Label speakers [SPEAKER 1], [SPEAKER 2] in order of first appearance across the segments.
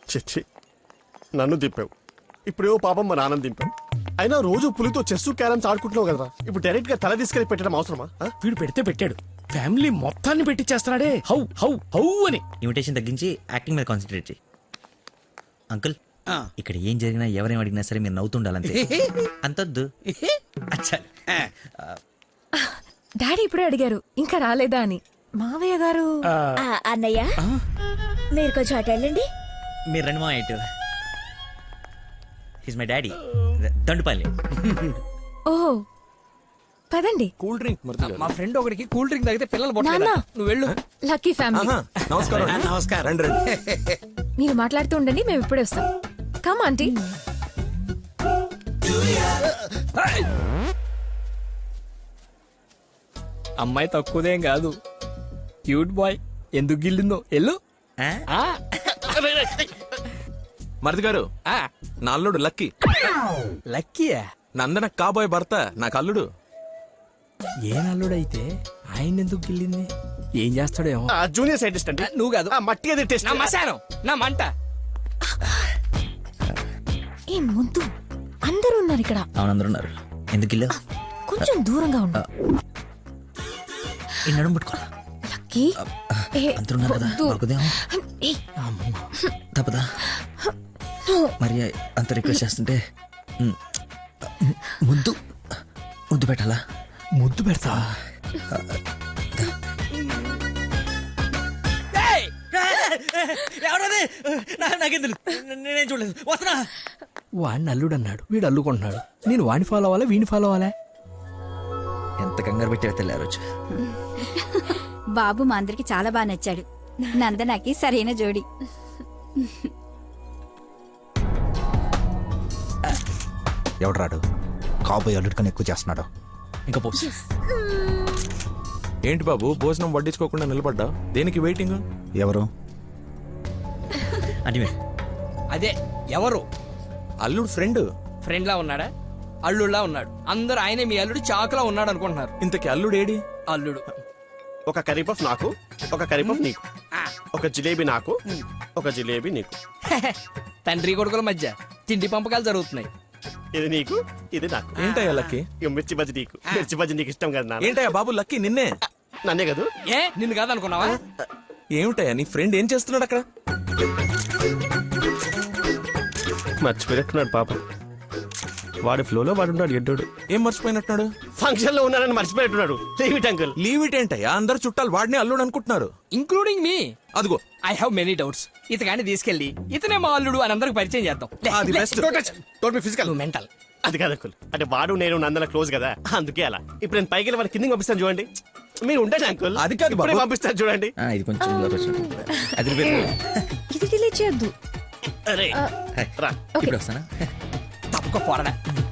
[SPEAKER 1] చిచ్చి నన్ను దింపావు, ఇప్పుడేవో పాపం మా నాన్న దింపావు. అయినా రోజు పులితో చెస్సు క్యారమ్స్ ఆడుకుంటున్నావు కదా, ఇప్పుడు డైరెక్ట్ గా తల తీసుకెళ్లి పెట్టడం అవసరమా?
[SPEAKER 2] వీడు పెడితే పెట్టాడు, ఫ్యామిలీ మొత్తాన్ని పెట్టిచ్చేస్తున్నాడే. హౌ హౌ హౌ అని.
[SPEAKER 3] ఇమిటేషన్ తగ్గించి యాక్టింగ్ మీద కాన్సన్ట్రేట్ చేయి. అంకుల్, ఇక్కడ ఏం జరిగినా ఎవరేం అడిగినా సరే మీరు నవ్వుతుండాలంతే. అంతొద్దు. అచ్చా.
[SPEAKER 4] డాడీ ఇప్పుడే అడిగారు ఇంకా రాలేదా అని. మావయ్య గారు
[SPEAKER 5] అన్నయ్య మీరు కొంచెం అటు వెళ్ళండి.
[SPEAKER 3] మీరు రండి మా ఇటు. He's my daddy, Dandupalli.
[SPEAKER 4] ఓహో పదండి.
[SPEAKER 2] కూల్ డ్రింక్ మా ఫ్రెండ్ ఒకరికి కూల్ డ్రింక్ తాగితే పిల్లలు
[SPEAKER 4] నాన్న.
[SPEAKER 2] పొట్టలేదు. నువ్వు వెళ్ళు.
[SPEAKER 4] Lucky family.
[SPEAKER 1] నమస్కారం.
[SPEAKER 2] నమస్కారం.
[SPEAKER 1] రండి రండి.
[SPEAKER 4] మీరు మాట్లాడుతూ ఉండండి, మేము ఇప్పుడే వస్తాం. Come aunty.
[SPEAKER 2] అమ్మాయి తక్కువదేం కాదు, క్యూట్ బాయ్. ఎందుకు గిల్లిందో ఎల్లు.
[SPEAKER 6] మరిది గారు, నా అల్లుడు లక్కీ.
[SPEAKER 2] లక్కీయా?
[SPEAKER 6] నందన కాబోయే భర్త నాకు అల్లుడు.
[SPEAKER 2] ఏ నల్లుడైతే ఆయన ఎందుకు గిల్లింది? ఏం చేస్తాడేమో.
[SPEAKER 1] జూనియర్ సైంటిస్ట్ అండి.
[SPEAKER 2] నువ్వు కాదు,
[SPEAKER 1] మట్టి అది టెస్ట్.
[SPEAKER 2] నా మశానం, నా మంట.
[SPEAKER 4] ఏ ముద్దు, అందరూ ఉన్నారు ఇక్కడ.
[SPEAKER 3] అవునందరూ ఉన్నారు. ఎందుకు గిల్లా?
[SPEAKER 4] కొంచెం దూరంగా ఉండు.
[SPEAKER 3] ఈ నడుము పట్టుకోవాలా?
[SPEAKER 4] లక్కీ
[SPEAKER 3] అందరూ ఉన్నారు కదా, దొరకదేమో. తప్పదా? మరి అంత రిక్వెస్ట్ చేస్తుంటే ముద్దు ముద్దు పెట్టాలా?
[SPEAKER 2] ముద్దు పెడతా.
[SPEAKER 3] నేనేం చూడలేదు. వస్తున్నా.
[SPEAKER 2] వాడిని అల్లుడు అన్నాడు, వీడు అల్లుకుంటున్నాడు. నేను వాడిని ఫాలో అవ్వాలా, వీడిని ఫాలో అవ్వాలా?
[SPEAKER 3] ఎంత కంగారు పెట్టి తెల్లారు రోజు.
[SPEAKER 5] బాబు మా అందరికి చాలా బాగా నచ్చాడు. నందనకి సరైన జోడి.
[SPEAKER 7] ఎవడు కాబోయే అల్లుడు కన్నా ఎక్కువ చేస్తున్నాడు.
[SPEAKER 3] ఇంకా పోస్.
[SPEAKER 6] ఏంటి బాబు భోజనం వడ్డించుకోకుండా నిలబడ్డా? దేనికి వెయిటింగ్?
[SPEAKER 7] ఎవరు?
[SPEAKER 3] అంటే మీరు
[SPEAKER 2] అదే ఎవరు?
[SPEAKER 6] అల్లుడు ఫ్రెండ్.
[SPEAKER 2] ఫ్రెండ్ లా ఉన్నాడా? అల్లుడులా ఉన్నాడు. అందరూ ఆయనే మీ అల్లుడు చాకులా ఉన్నాడు అనుకుంటున్నారు.
[SPEAKER 6] ఇంతకి అల్లుడు ఏడి?
[SPEAKER 2] అల్లుడు
[SPEAKER 1] ఒక కర్రీ పఫ్ నాకు, ఒక కర్రీ పఫ్ నీకు, ఒక జిలేబీ నాకు, ఒక జిలేబీ నీకు.
[SPEAKER 2] తండ్రి కొడుకుల మధ్య తిండి పంపకాలు జరుగుతున్నాయి.
[SPEAKER 1] ఇది నీకు, ఇది నాకు.
[SPEAKER 6] ఏంటయ్యా లక్కీ?
[SPEAKER 1] ఇక మిర్చి బజ్జి నీకు, మిర్చి బజ్జి నీకు ఇష్టం కదా నాన్న.
[SPEAKER 6] ఏంటయ్యా బాబు లక్కీ నిన్నే?
[SPEAKER 1] నన్నే కదా.
[SPEAKER 2] ఏ నిన్ను కాదనుకున్నావా?
[SPEAKER 6] ఏమిటయ్యా నీ ఫ్రెండ్ ఏం చేస్తున్నాడు అక్కడ?
[SPEAKER 1] మర్చిపోయినట్టున్నాడు పాప. వాడి ఫ్లోలో వాడు ఉన్నాడు ఎడ్డోడు.
[SPEAKER 6] ఏం మర్చిపోయినట్టున్నాడు?
[SPEAKER 1] ఫంక్షన్ లో ఉన్నానని మర్చిపోయినట్టున్నాడు. Leave it uncle.
[SPEAKER 6] Leave it ఏంటయ్యా? అందరు చుట్టాలు వాడిని అల్లుడు అనుకుంటున్నారు.
[SPEAKER 2] Including me.
[SPEAKER 6] అదిగో
[SPEAKER 2] ఐ హావ్ మెనీ డౌట్స్. ఇతగాని తీసుకెళ్లి ఇతనే మా అల్లుడు అని అందరికి పరిచయం చేద్దాం.
[SPEAKER 6] అది best.
[SPEAKER 1] Don't be physical.
[SPEAKER 2] Mental.
[SPEAKER 1] అది కాదు అంకుల్, అంటే వాడు నేను నందన క్లోజ్ కదా, అందుకే అలా. ఇప్పుడు నేను పైకి వెళ్ళి వాడి కిందకి పంపిస్తాను చూడండి. మీరు ఉండండి అంకుల్.
[SPEAKER 6] అది కాదు
[SPEAKER 1] ఇప్పుడే
[SPEAKER 6] బాబు.
[SPEAKER 1] పంపిస్తాను చూడండి.
[SPEAKER 3] ఇది కొంచెం అది
[SPEAKER 4] ఇది డిలీట్ చేయొద్దు.
[SPEAKER 1] అరే రా.
[SPEAKER 3] ఇప్పుడు వస్తానా?
[SPEAKER 2] తప్పక పోరడా.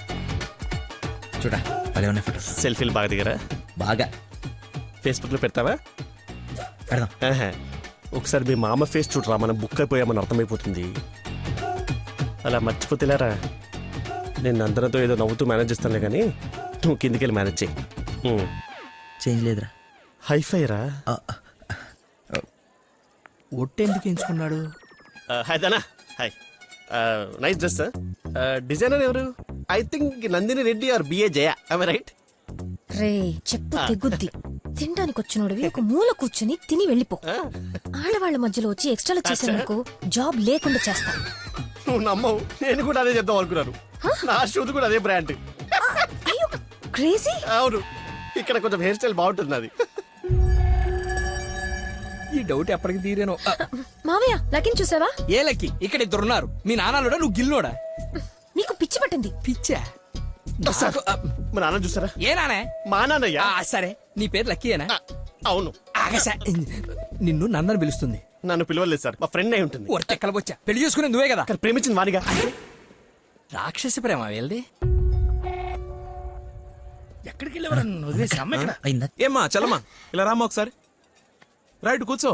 [SPEAKER 3] చూడా భలే ఉన్నాయి ఫోటో.
[SPEAKER 1] సెల్ఫీలు బాగా దిగరా?
[SPEAKER 3] బాగా.
[SPEAKER 1] ఫేస్బుక్ లో పెడతావా?
[SPEAKER 3] పెడదాం.
[SPEAKER 1] ఒకసారి మీ మామ ఫేస్ చూడరా, మనం బుక్ అయిపోయామని అర్థమైపోతుంది. అలా మర్చిపోతేలారా. నేను అందరితో ఏదో నవ్వుతూ మేనేజ్ చేస్తానులే కానీ నువ్వు కిందికి వెళ్ళి మేనేజ్ చేయి.
[SPEAKER 3] చేంజ్ లేదురా.
[SPEAKER 1] హైఫై రా.
[SPEAKER 2] ఒట్టెందుకు ఎంచుకున్నాడు?
[SPEAKER 1] Hi Dana. Hi. Nice dress. Designer ఎవరు? I think Nandini Reddy or BA Jaya. I right?
[SPEAKER 4] రే చెప్పు తెగుద్ది. తినడానికి వచ్చినోడివి ఒక మూల కూర్చుని తిని వెళ్ళిపో. ఆడవాళ్ళ మధ్యలో వచ్చి ఎక్స్ట్రాలు చేసేందుకు జాబ్ లేకుండా చేస్తా.
[SPEAKER 1] నువ్వు నమ్మవు, నేను కూడా అదే చెప్దాం అనుకున్నాను. నా షూది కూడా అదే బ్రాండ్.
[SPEAKER 4] క్రేజీ.
[SPEAKER 1] అవును, ఇక్కడ కొంచెం హెయిర్ స్టైల్ బాగుంటుంది అది.
[SPEAKER 2] ఈ డౌట్ ఎప్పటికి తీరేనో.
[SPEAKER 4] మావయ్య లకిన్ చూసావా?
[SPEAKER 2] ఏ లక్కి? ఇక్కడ ఇద్దరున్నారు. మీ నాన్నలోడా నువ్వు గిల్లోడా?
[SPEAKER 4] నీకు పిచ్చి పట్టింది.
[SPEAKER 2] పిచ్చా?
[SPEAKER 1] మా నాన్న చూసారా?
[SPEAKER 2] ఏ నానే?
[SPEAKER 1] మా నాన్నయ్య.
[SPEAKER 2] సరే నీ పేరు లక్కీయేనా?
[SPEAKER 1] అవును.
[SPEAKER 2] ఆగసా, నిన్ను నందని పిలుస్తుంది.
[SPEAKER 1] నన్ను పిలవలేదు సార్, మా ఫ్రెండ్ అయి ఉంటుంది.
[SPEAKER 2] ఒరటెక్కలబొచ్చా, పెళ్లి చేసుకునే నువ్వే కదా.
[SPEAKER 1] ప్రేమించింది వానిగా.
[SPEAKER 2] రాక్షసి ప్రేమ వెళ్ది. ఎక్కడికి వెళ్ళేవారు? వదిలేసి అమ్మ ఇక్కడ.
[SPEAKER 3] అయిందా?
[SPEAKER 6] ఏమ్మా చలమా ఇలా రామ్మా ఒకసారి. రైట్ కూర్చో.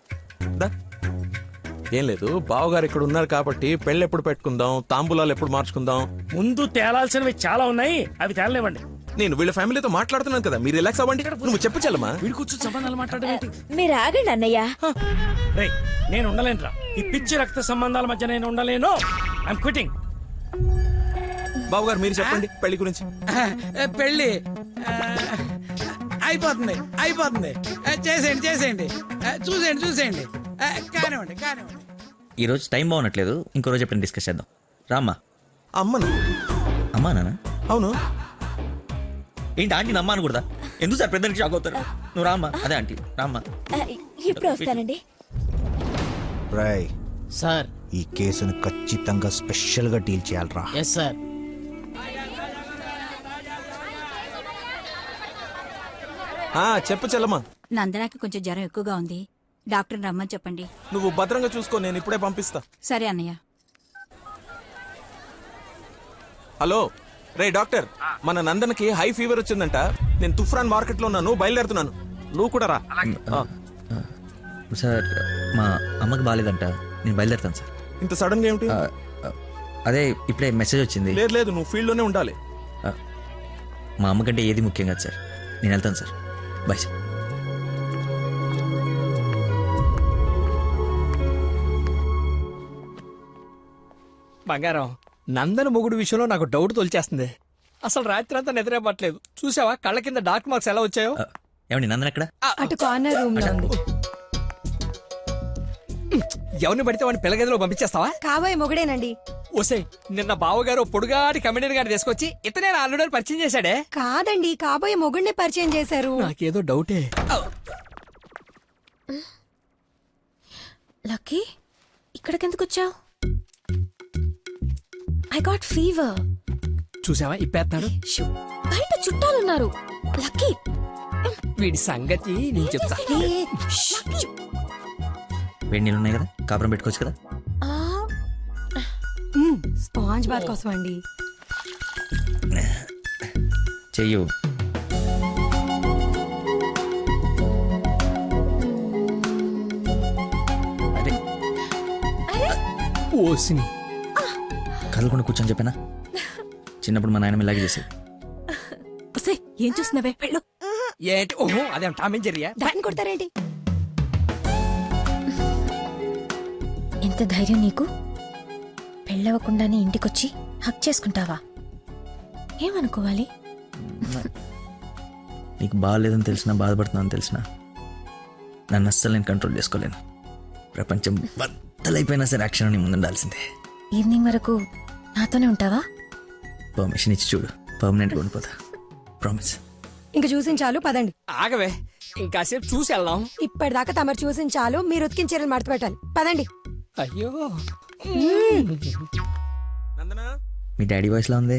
[SPEAKER 6] ఏం లేదు, బావగారు ఇక్కడ ఉన్నారు కాబట్టి పెళ్ళి ఎప్పుడు పెట్టుకుందాం, తాంబూలాలు ఎప్పుడు మార్చుకుందాం.
[SPEAKER 2] ముందు తేలాల్సినవి చాలా ఉన్నాయి, అవి తేలనివ్వండి.
[SPEAKER 6] నేను వీళ్ళ ఫ్యామిలీతో మాట్లాడుతున్నాను కదా, మీరు రిలాక్స్ అవ్వండి. నువ్వు చెప్పు చలమా.
[SPEAKER 2] వీడి కూర్చొని సంబంధాలు మాట్లాడడం ఏంటి?
[SPEAKER 5] మీరు ఆగండి అన్నయ్య.
[SPEAKER 2] రేయ్ నేను ఉండలేనురా, ఈ పిచ్చి రక్త సంబంధాల మధ్య నేను ఉండలేను. I'm quitting.
[SPEAKER 6] బాబు గారు మీరు చెప్పండి పెళ్లి గురించి.
[SPEAKER 8] పెళ్ళి అయిపోతుంది అయిపోతుంది. చేసేయండి చేసేయండి. చూసేయండి. కానివ్వండి.
[SPEAKER 3] ఈ రోజు టైం బాగున్నట్లేదు, ఇంకో రోజు ఎప్పుడైనా డిస్కస్ చేద్దాం. రామ్మా.
[SPEAKER 6] అమ్మను.
[SPEAKER 3] అమ్మా నాన్న?
[SPEAKER 6] అవును.
[SPEAKER 3] ఏంటి ఆంటీ నమ్మా అనకూడదా? ఎందుకు సార్ పెద్దలకి షాక్ అవుతారు? నువ్వు రామ్మా. అదే ఆంటీ రామ్మా.
[SPEAKER 4] ఇప్పుడు వస్తానండి.
[SPEAKER 7] రాయ్,
[SPEAKER 2] సార్.
[SPEAKER 7] ఈ కేసును ఖచ్చితంగా స్పెషల్ గా డీల్ చేయాలరా.
[SPEAKER 2] Yes sir.
[SPEAKER 6] చెప్పు చెల్లమ్మా.
[SPEAKER 5] నందనకి కొంచెం జ్వరం ఎక్కువగా ఉంది, డాక్టర్ రమ్మని చెప్పండి.
[SPEAKER 6] నువ్వు భద్రంగా చూసుకో, నేను ఇప్పుడే పంపిస్తా.
[SPEAKER 5] సరే అన్నయ్య.
[SPEAKER 6] హలో రే డాక్టర్, మన నందనకి హై ఫీవర్ వచ్చిందంట. నేను తుఫ్రాన్ మార్కెట్ లో ఉన్నాను, బయలుదేరుతున్నాను. నువ్వు కూడా రా.
[SPEAKER 3] సార్ మా అమ్మకి బాగాలేదంట, నేను బయలుదేరుతాను సార్.
[SPEAKER 6] ఇంత సడన్ గా ఏమిటి?
[SPEAKER 3] అదే ఇప్పుడే మెసేజ్ వచ్చింది.
[SPEAKER 6] లేదు నువ్వు ఫీల్డ్ లోనే ఉండాలి.
[SPEAKER 3] మా అమ్మకంటే ఏది ముఖ్యం కాదు సార్, నేను వెళ్తాను సార్. Bye sir.
[SPEAKER 2] బంగారం, నందన మొగుడు విషయంలో నాకు డౌట్ తొలిచేస్తుంది. అసలు రాత్రి అంతా నిద్రపట్లేదు. చూసావా కళ్ళ కింద డార్క్ మార్క్స్ ఎలా వచ్చాయో?
[SPEAKER 3] ఏమండి నందన ఎక్కడ?
[SPEAKER 4] అటు కార్నర్ రూమ్ లో ఉంది.
[SPEAKER 2] ఎవరిని పడితే వాడిని పిల్లగదిలో పంపించేస్తావా?
[SPEAKER 4] కాబోయే మొగుడేనండి.
[SPEAKER 2] ఓసే, నిన్న బావగారు పొడుగాటి కమెడియన్ గారిని తీసుకొచ్చి ఇతనే ఆల్రెడీ పరిచయం చేశాడే.
[SPEAKER 4] కాదండి, కాబోయే మొగుడిని పరిచయం చేశారు.
[SPEAKER 2] నాకేదో డౌటే.
[SPEAKER 4] లక్కీ, ఇక్కడికెందుకు వచ్చావు? I got fever.
[SPEAKER 2] చూసావా ఇప్పేస్తాడు.
[SPEAKER 4] బయట చుట్టాలున్నారు. లక్కీ,
[SPEAKER 2] వీడి సంగతి నేను చెప్తా.
[SPEAKER 3] వేడి నీళ్ళు ఉన్నాయి కదా, కాపురం పెట్టుకోవచ్చు కదా.
[SPEAKER 4] స్పాంజ్ బాత్ కోసం అండి.
[SPEAKER 3] చెయ్యు. అరే
[SPEAKER 2] ఓసిని
[SPEAKER 3] కదలకుండా కూర్చొని చెప్పానా? చిన్నప్పుడు మా నాయనమ్మ ఇలాగే చేసేది.
[SPEAKER 4] ఏం చూస్తున్నావే? వెళ్ళు.
[SPEAKER 2] ఏంటి? ఓహో అదేం టామేం జరిగా?
[SPEAKER 4] దాన్ని కొడతారేంటి? ఎంత ధైర్యం నీకు? పెళ్ళవకుండానే ఇంటికొచ్చి హక్ చేసుకుంటావా? ఏమనుకోవాలి?
[SPEAKER 3] నీకు బాగాలేదని తెలిసినా, బాధపడుతున్నాను తెలిసినా, నన్ను అస్సలు నేను కంట్రోల్ చేసుకోలేను. ప్రపంచం బద్దలైపోయినా సరే యాక్షన్ నీ ముందుండాల్సిందే.
[SPEAKER 4] ఈవినింగ్ వరకు నాతోనే ఉంటావా?
[SPEAKER 3] పర్మిషన్ ఇచ్చి చూడు, పర్మనెంట్గా ఉండిపోతా. ప్రామిస్.
[SPEAKER 9] ఇంక చూసించాలు, పదండి.
[SPEAKER 2] ఆగవే, ఇంకాసేపు చూసి వెళ్దాం.
[SPEAKER 9] ఇప్పటిదాకా తమరు చూసించాలు, మీరు ఉతికిన చీరలు మడత పెట్టాలి. పదండి.
[SPEAKER 2] అయ్యో,
[SPEAKER 6] నందనా,
[SPEAKER 3] మీ డాడీ వాయిస్లా ఉంది.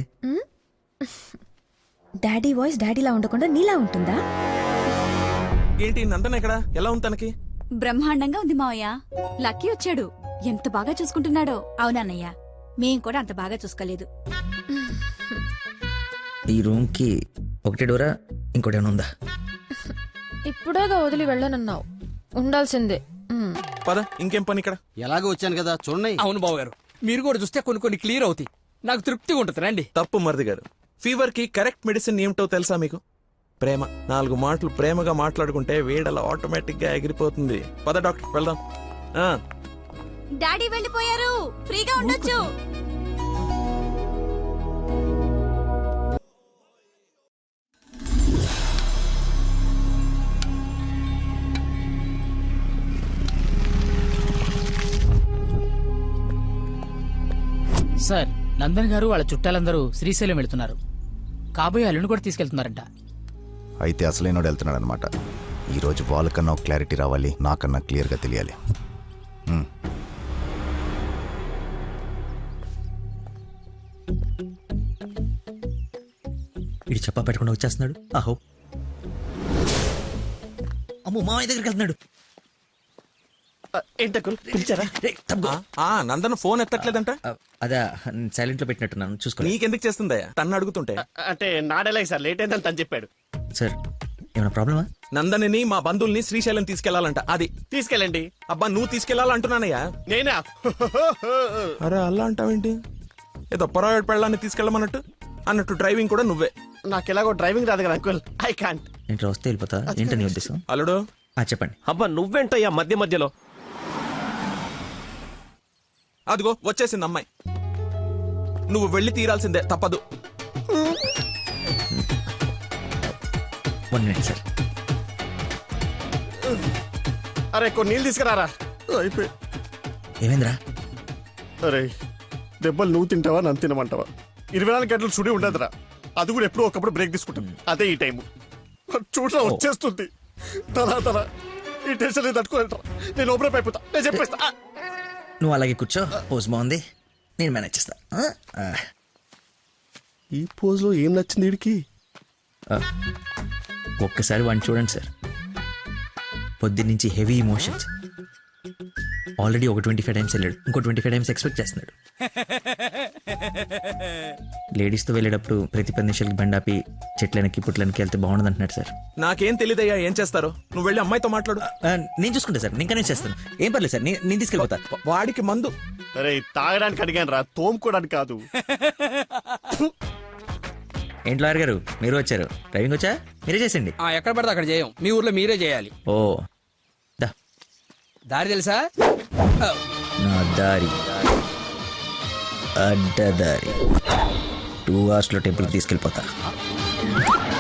[SPEAKER 4] డాడీ వాయిస్ డాడీలా ఉండకుండా నీలా ఉంటుందా?
[SPEAKER 6] ఏంటి నందన ఎక్కడ? ఎలా ఉంది తనకి?
[SPEAKER 5] బ్రహ్మాండంగా ఉంది మావయ్య. లక్కీ వచ్చాడు, ఎంత బాగా చూసుకుంటున్నాడో. అవునన్నయ్య, మేం కూడా అంత బాగా చూసుకోలేదు.
[SPEAKER 3] ఈ రూమ్కి ఒకటే డోరా, ఇంకోటి ఏమైనా ఉందా?
[SPEAKER 4] ఇప్పుడేగా వదిలి వెళ్ళనన్నావు, ఉండాల్సిందే.
[SPEAKER 6] పద, ఇంకేం పని ఇక్కడ?
[SPEAKER 10] ఎలాగో వచ్చాను కదా చూడండి.
[SPEAKER 2] అవును బాబు గారు, మీరు కూడా చూస్తే కొన్ని క్లియర్ అవుతాయి. నాకు తృప్తిగా ఉంటుంది. రండి.
[SPEAKER 6] తప్పు మరిది గారు. ఫీవర్ కి కరెక్ట్ మెడిసిన్ ఏమిటో తెలుసా మీకు? ప్రేమ. 4 మాటలు ప్రేమగా మాట్లాడుకుంటే వేడలా ఆటోమేటిక్ గా ఎగిరిపోతుంది. పద డాక్టర్ వెళ్దాం.
[SPEAKER 5] డాడీ వెళ్ళిపోయారు, ఫ్రీగా ఉండొచ్చు.
[SPEAKER 11] సార్, నందన్ గారు వాళ్ళ చుట్టాలందరూ శ్రీశైలం వెళ్తున్నారు. కాబోయే అల్లుని కూడా తీసుకెళ్తున్నారంట.
[SPEAKER 7] అయితే అసలైనోడు వెళ్తున్నాడు అనమాట. ఈరోజు వాళ్ళకన్నా ఒక క్లారిటీ రావాలి, నాకన్నా క్లియర్గా తెలియాలి.
[SPEAKER 3] వీడు చెప్పా పెట్టకుండా వచ్చేస్తున్నాడు. ఆహో, అమ్మో మామయ్య దగ్గరికి వెళ్తున్నాడు.
[SPEAKER 1] పిలిచారా?
[SPEAKER 6] నందన ఫోన్ ఎత్తట్లేదంట.
[SPEAKER 3] అదే సైలెంట్ లో పెట్టినట్టున్నాను, చూసుకో.
[SPEAKER 6] నీకెందుకు చేస్తుందయ్యా? తన్ను అడుగుతుంటే.
[SPEAKER 1] అంటే నాడేలాగ సార్, లేట్ అయిందని తను చెప్పాడు.
[SPEAKER 3] సార్ ఏమైనా ప్రాబ్లమా?
[SPEAKER 6] నందనిని మా బంధువుల్ని శ్రీశైలం తీసుకెళ్లాలంట. అది
[SPEAKER 1] తీసుకెళ్ళండి.
[SPEAKER 6] అబ్బా, నువ్వు తీసుకెళ్లాలంటున్నానయ్యా.
[SPEAKER 1] నేనా?
[SPEAKER 6] అరే అలా అంటావేంటి? ఏదో పొరపాటు పెళ్ళాన్ని తీసుకెళ్ళమన్నట్టు అన్నట్టు డ్రైవింగ్ కూడా నువ్వే.
[SPEAKER 1] నాకు ఎలాగో డ్రైవింగ్ రాదు కదా అంకుల్, ఐ కాంట్.
[SPEAKER 3] నేను వస్తే వెళ్ళిపోతా. ఏంటని ఉద్దేశం?
[SPEAKER 6] అల్లుడు
[SPEAKER 3] చెప్పండి.
[SPEAKER 1] అబ్బా నువ్వేంటయ్యా మధ్య మధ్యలో?
[SPEAKER 6] అదిగో వచ్చేసింది అమ్మాయి. నువ్వు వెళ్ళి తీరాల్సిందే, తప్పదు.
[SPEAKER 3] 1 minute సార్.
[SPEAKER 1] అరే కొన్ని నీళ్ళు తీసుకురారా. అయిపోయి.
[SPEAKER 3] ఏమైందిరా?
[SPEAKER 1] అరే దెబ్బలు నువ్వు తింటావా నన్ను తినమంటావా? 24 గంటలు చుడి ఉండదురా. అది కూడా ఎప్పుడో ఒకప్పుడు బ్రేక్ తీసుకుంటుంది. అదే ఈ టైము చూడరా వచ్చేస్తుంది. తల ఈ టెన్షన్ తట్టుకోలేటరా. నేను ఓపెన్ అయిపోతా. నేను చెప్పేస్తా.
[SPEAKER 3] నువ్వు అలాగే కూర్చో. పోజ్ బాగుంది, నేను మేనేజ్ చేస్తా.
[SPEAKER 1] ఈ పోజ్ లో ఏం నచ్చింది వీడికి?
[SPEAKER 3] ఒక్కసారి వాడిని చూడండి సార్. పొద్దున్నుంచి హెవీ ఇమోషన్స్. ఆల్రెడీ ఒక 25 టైమ్స్ వెళ్ళాడు, ఇంకో 25 టైమ్స్ ఎక్స్పెక్ట్ చేస్తున్నాడు. లేడీస్తో వెళ్ళేటప్పుడు ప్రతి 10 నిమిషాలకి బండాపి చెట్లనికి పుట్లనికి వెళ్తే బాగుండదు అంటున్నాడు సార్.
[SPEAKER 6] నాకేం తెలియదయ్యా ఏం చేస్తారో. నువ్వు వెళ్ళి అమ్మాయితో మాట్లాడు.
[SPEAKER 3] నేను చూసుకుంటా సార్, నేను కనెక్ట్ చేస్తాను. ఏం పర్లేదు సార్, నేను తీసుకెళ్ళిపోతా.
[SPEAKER 6] వాడికి మందు.
[SPEAKER 1] అరే తాగడానికి అడిగాను రా, తోముకోవడానికి కాదు.
[SPEAKER 3] ఏంటి లాయర్ గారు మీరు వచ్చారు? డ్రైవింగ్ వచ్చా? మీరే చేసండి.
[SPEAKER 2] ఎక్కడ పడితే అక్కడ చేయం, మీ ఊర్లో మీరే చేయాలి.
[SPEAKER 3] ఓ దా
[SPEAKER 2] దారి తెలుసా?
[SPEAKER 3] నా దారి అడ్డదారి 2 hours లో టెంపుల్కి తీసుకెళ్ళిపోతా.